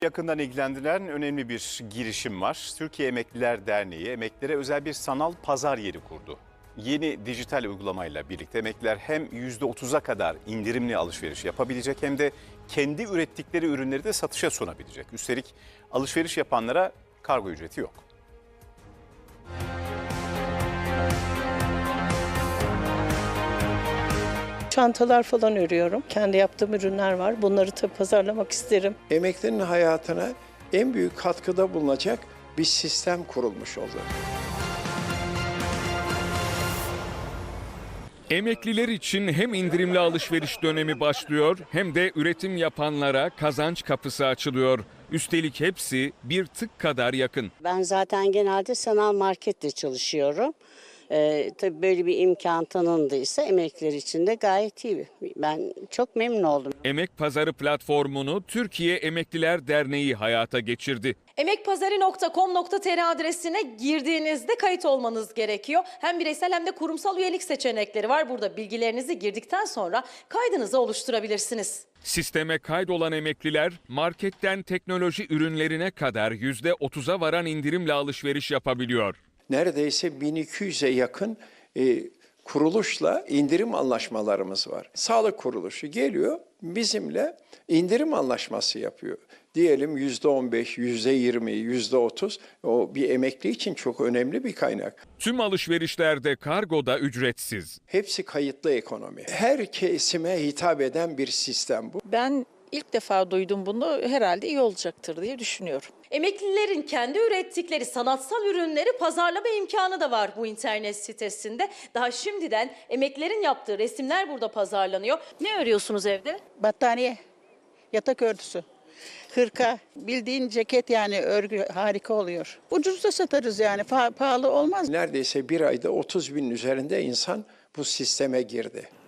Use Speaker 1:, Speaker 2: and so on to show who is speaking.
Speaker 1: Yakından ilgilendiren önemli bir girişim var. Türkiye Emekliler Derneği emeklilere özel bir sanal pazar yeri kurdu. Yeni dijital uygulamayla birlikte emekliler hem %30'a kadar indirimli alışveriş yapabilecek hem de kendi ürettikleri ürünleri de satışa sunabilecek. Üstelik alışveriş yapanlara kargo ücreti yok.
Speaker 2: Çantalar falan örüyorum. Kendi yaptığım ürünler var. Bunları tabii pazarlamak isterim.
Speaker 3: Emeklinin hayatına en büyük katkıda bulunacak bir sistem kurulmuş oldu.
Speaker 4: Emekliler için hem indirimli alışveriş dönemi başlıyor hem de üretim yapanlara kazanç kapısı açılıyor. Üstelik hepsi bir tık kadar yakın.
Speaker 5: Ben zaten genelde sanal markette çalışıyorum. Tabii böyle bir imkan tanındıysa emekliler için de gayet iyi. Ben çok memnun oldum.
Speaker 4: Emek Pazarı platformunu Türkiye Emekliler Derneği hayata geçirdi.
Speaker 6: Emekpazarı.com.tr adresine girdiğinizde kayıt olmanız gerekiyor. Hem bireysel hem de kurumsal üyelik seçenekleri var. Burada bilgilerinizi girdikten sonra kaydınızı oluşturabilirsiniz.
Speaker 4: Sisteme kaydolan emekliler marketten teknoloji ürünlerine kadar %30'a varan indirimle alışveriş yapabiliyor.
Speaker 3: Neredeyse 1200'e yakın kuruluşla indirim anlaşmalarımız var. Sağlık kuruluşu geliyor bizimle indirim anlaşması yapıyor. Diyelim %15, %20, %30 o bir emekli için çok önemli bir kaynak.
Speaker 4: Tüm alışverişlerde kargo da ücretsiz.
Speaker 3: Hepsi kayıtlı ekonomi. Her kesime hitap eden bir sistem bu.
Speaker 7: Ben ilk defa duydum bunu, herhalde iyi olacaktır diye düşünüyorum.
Speaker 6: Emeklilerin kendi ürettikleri sanatsal ürünleri pazarlama imkanı da var bu internet sitesinde. Daha şimdiden emeklilerin yaptığı resimler burada pazarlanıyor. Ne örüyorsunuz evde?
Speaker 2: Battaniye, yatak örtüsü, hırka, bildiğin ceket yani örgü harika oluyor. Ucuz da satarız yani pahalı olmaz.
Speaker 3: Neredeyse bir ayda 30 binin üzerinde insan bu sisteme girdi.